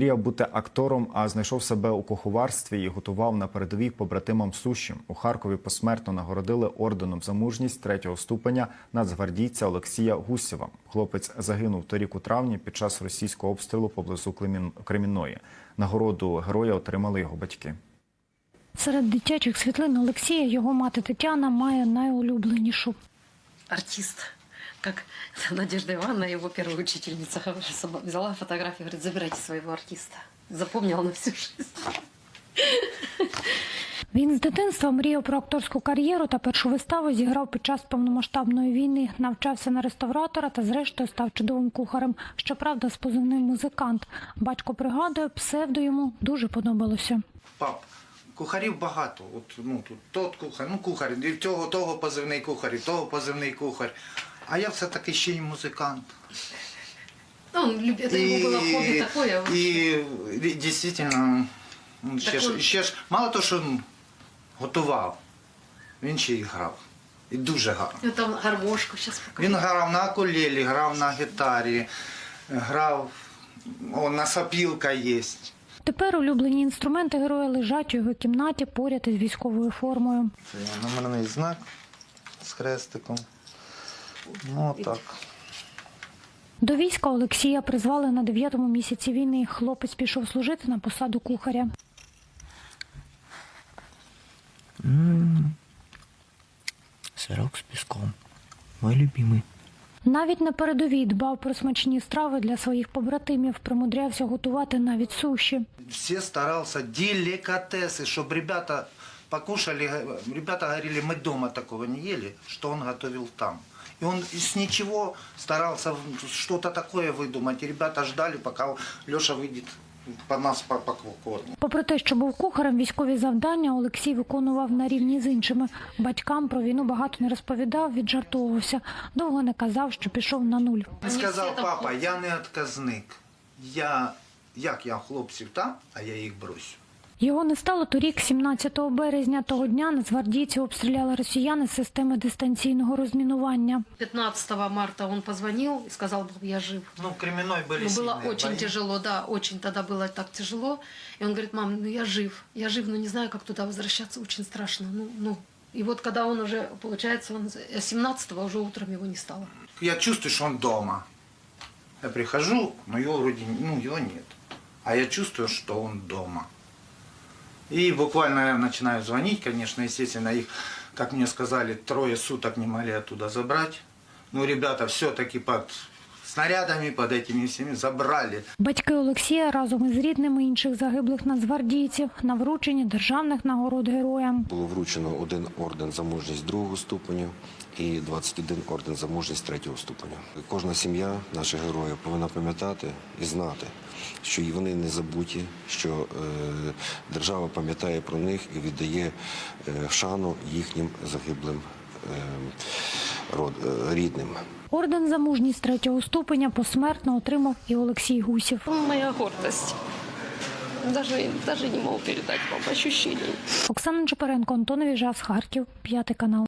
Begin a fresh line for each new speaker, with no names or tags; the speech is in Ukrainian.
Мріяв бути актором, а знайшов себе у куховарстві і готував на передовій побратимам суші. У Харкові посмертно нагородили орденом за мужність 3-го ступеня нацгвардійця Олексія Гусєва. Хлопець загинув торік у травні під час російського обстрілу поблизу Кремінної. Нагороду героя отримали його батьки.
Серед дитячих світлин Олексія його мати Тетяна має найулюбленішу.
Артист, как Надежда Ивановна, его первая учительница, взяла фотографию, говорит: забирайте своего артиста. Запомнила на всю жизнь.
Він з дитинства мріяв про акторську кар'єру та першу виставу зіграв під час повномасштабної війни. Навчався на реставратора та зрештою став чудовим кухарем. Щоправда, з позивним «Музикант». Батько пригадує, псевдо йому дуже подобалося.
Пап, кухарів багато. Тут тот кухар, і того позивний кухар, і того позивний кухар. А я все-таки ще й музикант.
Это его было хобби такое.
І дійсно, ще ж мало того, що готував, він ще й грав. І дуже гарно.
Ну, там гармошку зараз покажу.
Він грав на акулелі, грав на гітарі, грав, на сопілка є.
Тепер улюблені інструменти героя лежать у його кімнаті поряд із військовою формою.
Це номерний знак з хрестиком. Ну, так.
До війська Олексія призвали на 9-му місяці війни. Хлопець пішов служити на посаду кухаря.
Сырок с песком. Мой любимый.
Навіть на передовій дбав про смачні страви для своїх побратимів, примудрявся готувати навіть суші.
Все старался деликатесы, чтобы ребята покушали. Ребята говорили, мы дома такого не ели, что он готовил там. И он с ничего старался что-то такое выдумать. И ребята ждали, пока Леша выйдет по нас покормить.
Попри те, що був кухарем, військові завдання Олексій виконував на рівні з іншими. Батькам про війну багато не розповідав, віджартовувався. Довго не казав, що пішов на нуль.
Він сказав: папа, я не відказник. Як я хлопців там, а я їх бросю.
Його не стало торік, 17 березня. Того дня нацгвардійці обстріляли росіяни з системи дистанційного розмінування.
15 марта он позвонил и сказал: я жив.
В Кремінной були
Было
сильні
очень
бої.
тяжело, да, очень тогда было так тяжело. И он говорит: мам, я жив, но не знаю, как туда возвращаться, очень страшно. И вот когда он уже, получается, 17-го уже утром его не стало.
Я чувствую, что он дома. Я прихожу, но его вроде его нет. А я чувствую, что он дома. И буквально я начинаю звонить, конечно, естественно, их, как мне сказали, 3 суток не могли оттуда забрать. Но ребята все-таки под снарядами, под этими всеми забрали.
Батьки Олексія разом із рідними інших загиблих нацгвардійців на врученні державних нагород героям.
Було вручено 1 орден за мужність 2-го ступеня і 21 орден за мужність 3-го ступеня. Кожна сім'я наших героїв повинна пам'ятати і знати, що і вони не забуті, що держава пам'ятає про них і віддає шану їхнім загиблим рідним.
Орден за мужність 3-го ступеня посмертно отримав і Олексій Гусєв.
Моя гордость. Даже не могу передать вам ощущений.
Оксана Чепаренко, Антон Віжас, Харків, 5 канал.